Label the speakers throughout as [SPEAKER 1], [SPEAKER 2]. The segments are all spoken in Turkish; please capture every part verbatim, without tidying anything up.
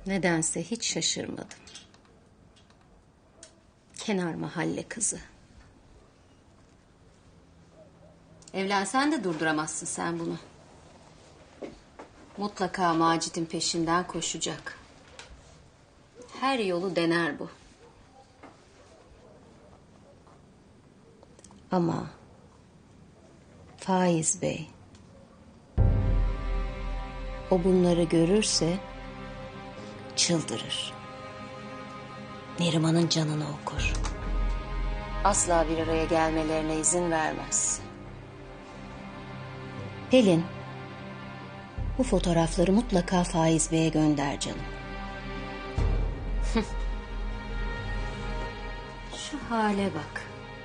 [SPEAKER 1] Nedense hiç şaşırmadım. Kenar mahalle kızı. Evlensen de durduramazsın sen bunu. Mutlaka Macit'in peşinden koşacak. Her yolu dener bu. Ama Faiz Bey, o bunları görürse çıldırır. Neriman'ın canını okur. Asla bir araya gelmelerine izin vermez. Pelin, bu fotoğrafları mutlaka Faiz Bey'e gönder canım. Şu hale bak.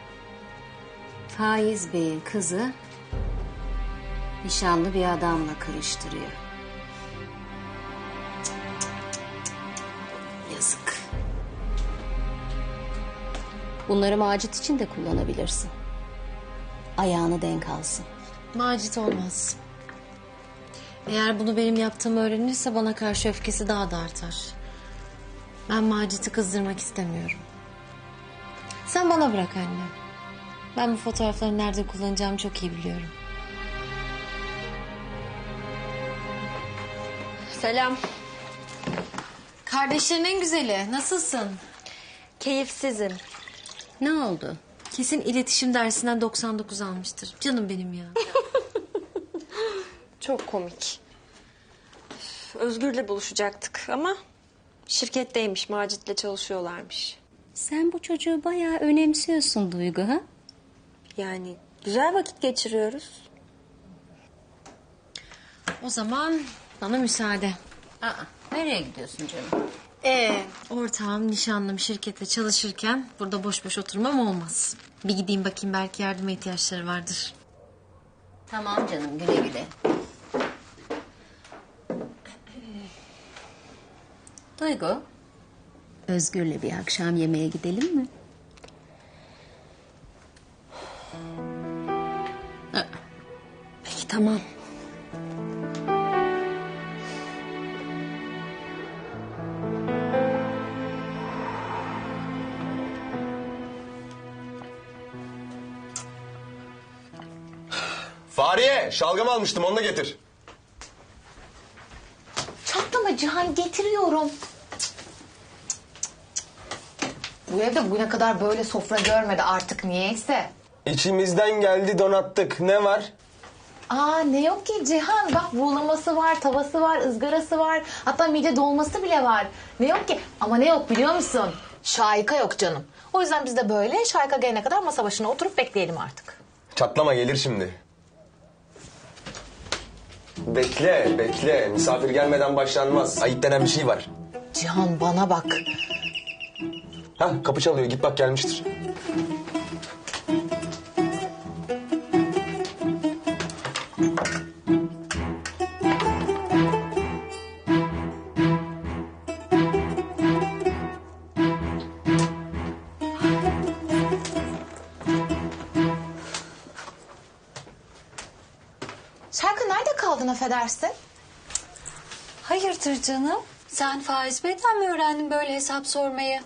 [SPEAKER 1] Faiz Bey'in kızı nişanlı bir adamla karıştırıyor. Yazık. Bunları Macit için de kullanabilirsin. Ayağını denk alsın.
[SPEAKER 2] Macit olmaz. Eğer bunu benim yaptığımı öğrenirse bana karşı öfkesi daha da artar. Ben Macit'i kızdırmak istemiyorum. Sen bana bırak anne. Ben bu fotoğrafları nerede kullanacağımı çok iyi biliyorum. Selam. Kardeşlerin en güzeli. Nasılsın?
[SPEAKER 3] Keyifsizim.
[SPEAKER 1] Ne oldu?
[SPEAKER 2] Kesin iletişim dersinden doksan dokuz almıştır. Canım benim ya.
[SPEAKER 3] Çok komik. Özgür'le buluşacaktık ama şirketteymiş, Macit'le çalışıyorlarmış.
[SPEAKER 1] Sen bu çocuğu bayağı önemsiyorsun Duygu, ha?
[SPEAKER 3] Yani güzel vakit geçiriyoruz.
[SPEAKER 2] O zaman bana müsaade.
[SPEAKER 1] Aa, nereye gidiyorsun canım?
[SPEAKER 2] Ee, ortağım, nişanlım şirkette çalışırken burada boş boş oturmam olmaz. Bir gideyim bakayım, belki yardıma ihtiyaçları vardır.
[SPEAKER 1] Tamam canım, güle güle. Duygu, Özgür'le bir akşam yemeğe gidelim mi?
[SPEAKER 3] Peki tamam.
[SPEAKER 4] Fahriye, şalgam almıştım, onu da getir.
[SPEAKER 5] Çatlama Cihan, getiriyorum. Bu evde bugüne kadar böyle sofra görmedi artık niyeyse.
[SPEAKER 4] İçimizden geldi, donattık. Ne var?
[SPEAKER 5] Aa, ne yok ki Cihan, bak buğulaması var, tavası var, ızgarası var. Hatta mide dolması bile var. Ne yok ki, ama ne yok biliyor musun? Şahika yok canım. O yüzden biz de böyle Şahika gelene kadar masa başına oturup bekleyelim artık.
[SPEAKER 4] Çatlama, gelir şimdi. Bekle, bekle. Misafir gelmeden başlanmaz. Ayıp denen bir şey var.
[SPEAKER 5] Cihan bana bak.
[SPEAKER 4] Hah, kapı çalıyor. Git bak, gelmiştir.
[SPEAKER 5] Şarkı nerede kaldın affedersin?
[SPEAKER 2] Hayırdır canım? Sen Faiz Bey'den mi öğrendin böyle hesap sormayı?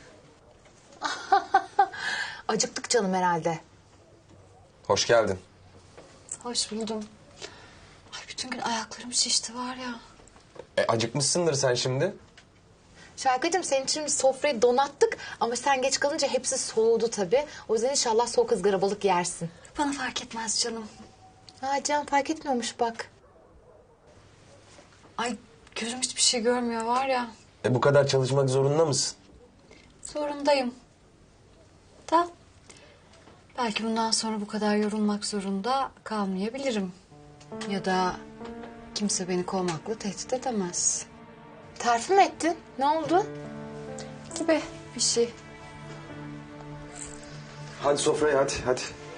[SPEAKER 5] Acıktık canım herhalde.
[SPEAKER 4] Hoş geldin.
[SPEAKER 2] Hoş buldum. Ay, bütün gün ayaklarım şişti var ya.
[SPEAKER 4] E, acıkmışsındır sen şimdi.
[SPEAKER 5] Şarkıcığım, senin için biz sofrayı donattık ama sen geç kalınca hepsi soğudu tabii. O yüzden inşallah soğuk ızgara balık yersin.
[SPEAKER 2] Bana fark etmez canım.
[SPEAKER 5] Ha, Can fark etmiyormuş bak.
[SPEAKER 2] Ay, gözüm hiçbir şey görmüyor var ya.
[SPEAKER 4] E, bu kadar çalışmak zorunda mısın?
[SPEAKER 2] Zorundayım. Da belki bundan sonra bu kadar yorulmak zorunda kalmayabilirim. Ya da kimse beni kovmakla tehdit edemez.
[SPEAKER 5] Terfi mi ettin? Ne oldu?
[SPEAKER 2] Gibi bir şey.
[SPEAKER 4] Hadi sofraya, hadi, hadi.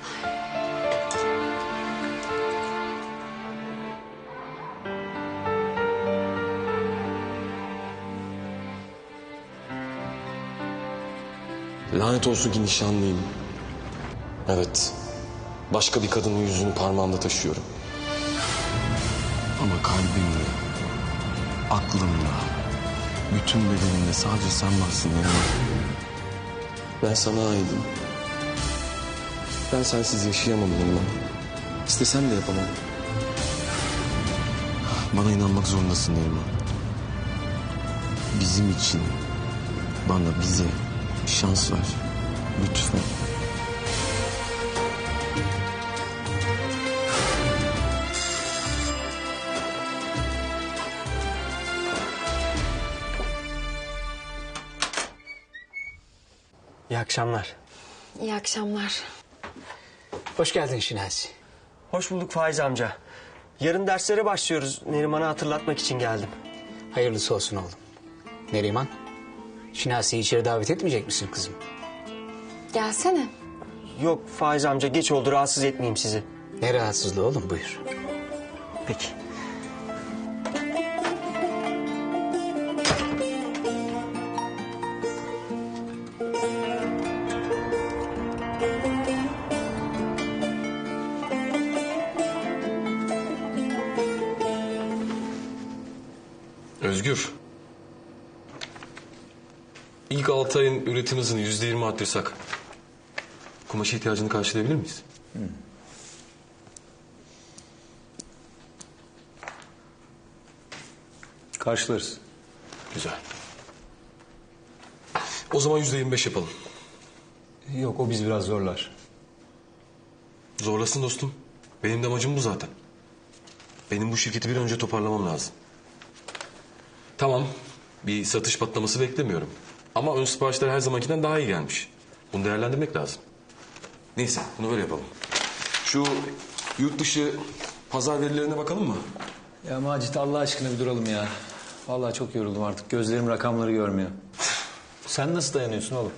[SPEAKER 6] Lanet olsun ki nişanlıyım. Evet, başka bir kadının yüzünü parmağımda taşıyorum. Ama kalbimle, aklımla, Bütün bedenimde sadece sen varsın Neriman. Ben sana aidim. Ben sensiz yaşayamam Neriman. İstesen de yapamam. Bana inanmak zorundasın Neriman. Bizim için, bana, bize şans ver. Lütfen.
[SPEAKER 7] İyi akşamlar.
[SPEAKER 3] İyi akşamlar.
[SPEAKER 7] Hoş geldin Şinasi.
[SPEAKER 8] Hoş bulduk Faiz amca. Yarın derslere başlıyoruz. Neriman'a hatırlatmak için geldim.
[SPEAKER 7] Hayırlısı olsun oğlum. Neriman, Şinasi'yi içeri davet etmeyecek misin kızım?
[SPEAKER 3] Gelsene.
[SPEAKER 8] Yok Faiz amca, geç oldu, rahatsız etmeyeyim sizi.
[SPEAKER 7] Ne rahatsızlığı oğlum, buyur.
[SPEAKER 8] Peki.
[SPEAKER 6] Özgür. İlk altı ayın üretim hızını yüzde yirmi arttırsak kumaş ihtiyacını karşılayabilir miyiz?
[SPEAKER 9] Karşılarız.
[SPEAKER 6] Güzel. O zaman yüzde yirmi beş yapalım.
[SPEAKER 9] Yok, o biz biraz zorlar.
[SPEAKER 6] Zorlasın dostum. Benim de amacım bu zaten. Benim bu şirketi bir an önce toparlamam lazım. Tamam, bir satış patlaması beklemiyorum. Ama ön siparişler her zamankinden daha iyi gelmiş. Bunu değerlendirmek lazım. Neyse, bunu böyle yapalım. Şu yurt dışı pazar verilerine bakalım mı?
[SPEAKER 9] Ya Macit, Allah aşkına bir duralım ya. Vallahi çok yoruldum artık. Gözlerim rakamları görmüyor. Sen nasıl dayanıyorsun oğlum?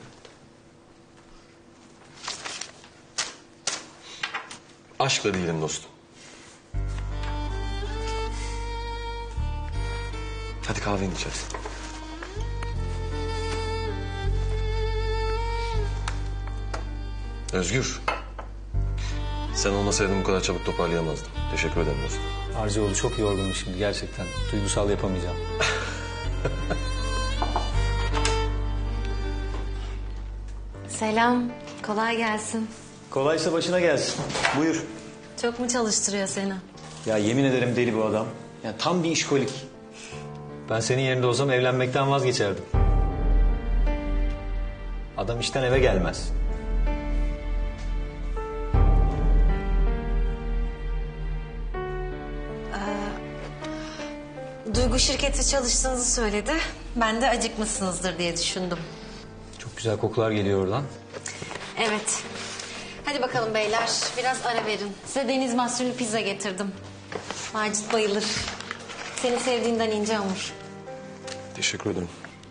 [SPEAKER 6] Aşkla değilim dostum. Hadi kahveni içeriz. Özgür. Sen olmasaydın bu kadar çabuk toparlayamazdım. Teşekkür ederim dostum.
[SPEAKER 9] Arcıoğlu, çok yorgunum şimdi gerçekten. Duygusal yapamayacağım.
[SPEAKER 2] Selam. Kolay gelsin.
[SPEAKER 9] Kolaysa başına gelsin. Buyur.
[SPEAKER 2] Çok mu çalıştırıyor seni?
[SPEAKER 9] Ya yemin ederim deli bu adam. Ya tam bir işkolik. Ben senin yerinde olsam evlenmekten vazgeçerdim. Adam işten eve gelmez.
[SPEAKER 2] Duygu şirkette çalıştığınızı söyledi. Ben de acıkmışsınızdır diye düşündüm.
[SPEAKER 9] Çok güzel kokular geliyor oradan.
[SPEAKER 2] Evet. Hadi bakalım beyler. Biraz ara verin. Size deniz mahsullü pizza getirdim. Macit bayılır. Senin sevdiğinden ince hamur.
[SPEAKER 6] Teşekkür ederim.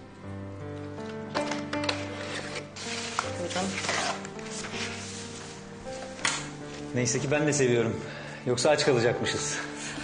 [SPEAKER 2] Buyurun.
[SPEAKER 9] Neyse ki ben de seviyorum. Yoksa aç kalacakmışız.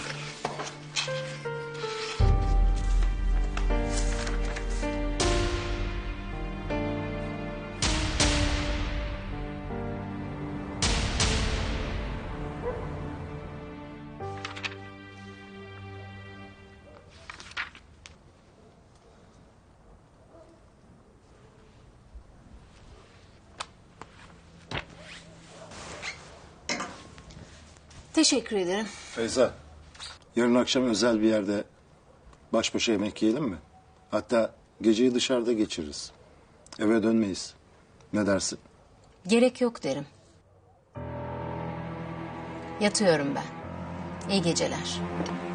[SPEAKER 1] Teşekkür ederim.
[SPEAKER 10] Feyza, yarın akşam özel bir yerde baş başa yemek yiyelim mi? Hatta geceyi dışarıda geçiririz. Eve dönmeyiz. Ne dersin?
[SPEAKER 1] Gerek yok derim. Yatıyorum ben. İyi geceler.